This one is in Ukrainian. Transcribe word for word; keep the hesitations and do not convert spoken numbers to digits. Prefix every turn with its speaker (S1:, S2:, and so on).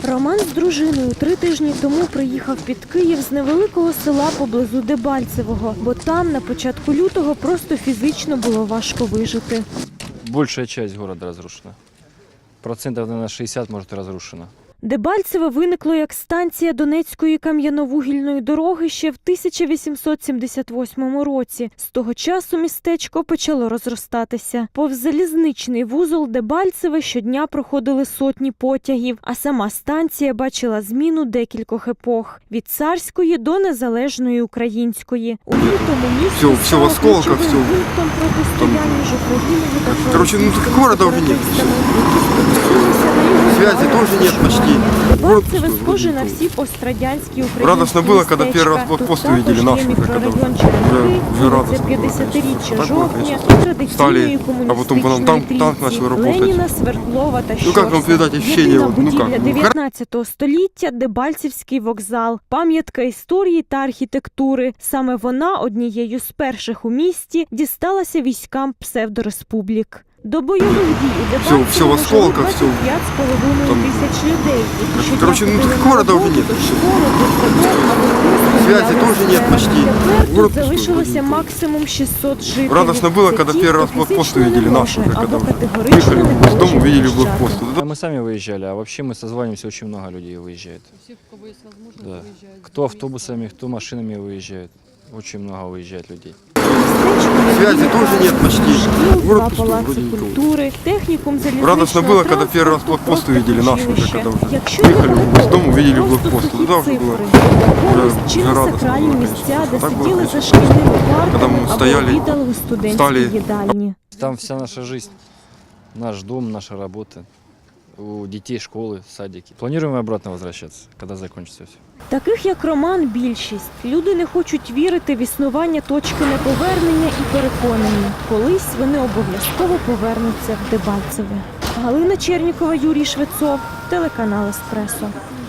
S1: Роман з дружиною три тижні тому приїхав під Київ з невеликого села поблизу Дебальцевого, бо там на початку лютого просто фізично було важко вижити.
S2: Большая часть города разрушена. Процентов, наверное, шестьдесят, может, и разрушено.
S1: Дебальцеве виникло як станція Донецької кам'яно-вугільної дороги ще в тисяча вісімсот сімдесят восьмому році. З того часу містечко почало розростатися. Повз залізничний вузол Дебальцеве щодня проходили сотні потягів, а сама станція бачила зміну декількох епох – від царської до незалежної української. У лютому місто
S3: все, все
S1: стало
S3: в осколках,
S1: ключовим
S3: все.
S1: пунктом протистояння ж Україною та
S3: Короче, ну так города уже нет. Связи тоже нет почти.
S1: Дебальцеве схоже на всі пострадянські українські
S3: Радостно было, когда первый раз блокпост увидели наши, когда уже, уже радостно было,
S1: п'ятдесятиріччя
S3: конечно.
S1: жовтня,
S3: Так было,
S1: традиційної
S3: Стали, а потом по нам танк, танк начал
S1: комуністичної
S3: работать.
S1: Леніна, Свердлова та
S3: Ну как вам
S1: Щорса.
S3: передать ощущение?
S1: Єдина
S3: Вот, ну
S1: будівля
S3: как? Ну,
S1: дев'ятнадцятого століття – Дебальцевський вокзал. Пам'ятка історії та архітектури. Саме вона однією з перших у місті дісталася військам псевдореспублік. До бойових дій у
S3: Все, все в
S1: Дебальцевому жили
S3: осколках, все.
S1: двадцять п'ять з половиною
S3: Там-
S1: тисяч людей, які щодня
S3: Короче, ну
S1: ходили
S3: так
S1: на
S3: города уже
S1: роботу,
S3: нет.
S1: до школи, до садок, або просто
S3: Связи
S1: гуляли
S3: тоже
S1: з
S3: нет
S1: сцени.
S3: почти.
S1: Тепер тут
S3: Город
S1: залишилося
S3: пустой.
S1: максимум шістсот жителів.
S3: Радостно было,
S1: Це
S3: когда
S1: ті,
S3: первый
S1: хто
S3: раз блокпост
S1: фізично не
S3: увидели
S1: може
S3: наши уже,
S1: або
S3: когда уже
S1: категорично
S3: выехали
S1: не
S3: с
S1: хоче
S3: дома, увидели
S1: виїжджати.
S3: блокпост.
S2: А мы сами выезжали, а вообще мы созваниваемся, очень много людей выезжает.
S4: Все, у кого есть возможность,
S2: Да.
S4: выезжают.
S2: Кто автобусами, кто машинами выезжает. Очень много выезжает людей.
S3: Связи тоже нет почти.
S1: Шкіл,
S3: Город
S1: два
S3: пустой,
S1: палаци
S3: вроде никого.
S1: культури, технікум залізничного
S3: Радостно было, когда первый раз
S1: транспорту,
S3: блокпост
S1: просто
S3: увидели наши уже,
S1: училище.
S3: когда уже
S1: Якщо
S3: выехали
S1: його
S3: с дома, увидели
S1: просто
S3: блокпост.
S1: сухі
S3: Тогда уже было
S1: цифри,
S3: уже
S1: чи не
S3: радостно
S1: сакральні
S3: было,
S1: місця, де
S3: конечно. Так было,
S1: сиділи за
S3: конечно.
S1: шкільними
S3: Когда
S1: партами
S3: мы
S1: або
S3: стояли,
S1: обідали у студентській
S3: встали.
S1: їдальні.
S2: Там вся наша жизнь, наш дом, наша работа. У детей школы, садики. Планируем обратно возвращаться, когда закончится все.
S1: Таких, як Роман, більшість. Люди не хочуть вірити в існування точки неповернення і переконані, колись вони обов'язково повернуться в Дебальцеве. Галина Чернікова, Юрій Швецов, телеканал «Еспресо».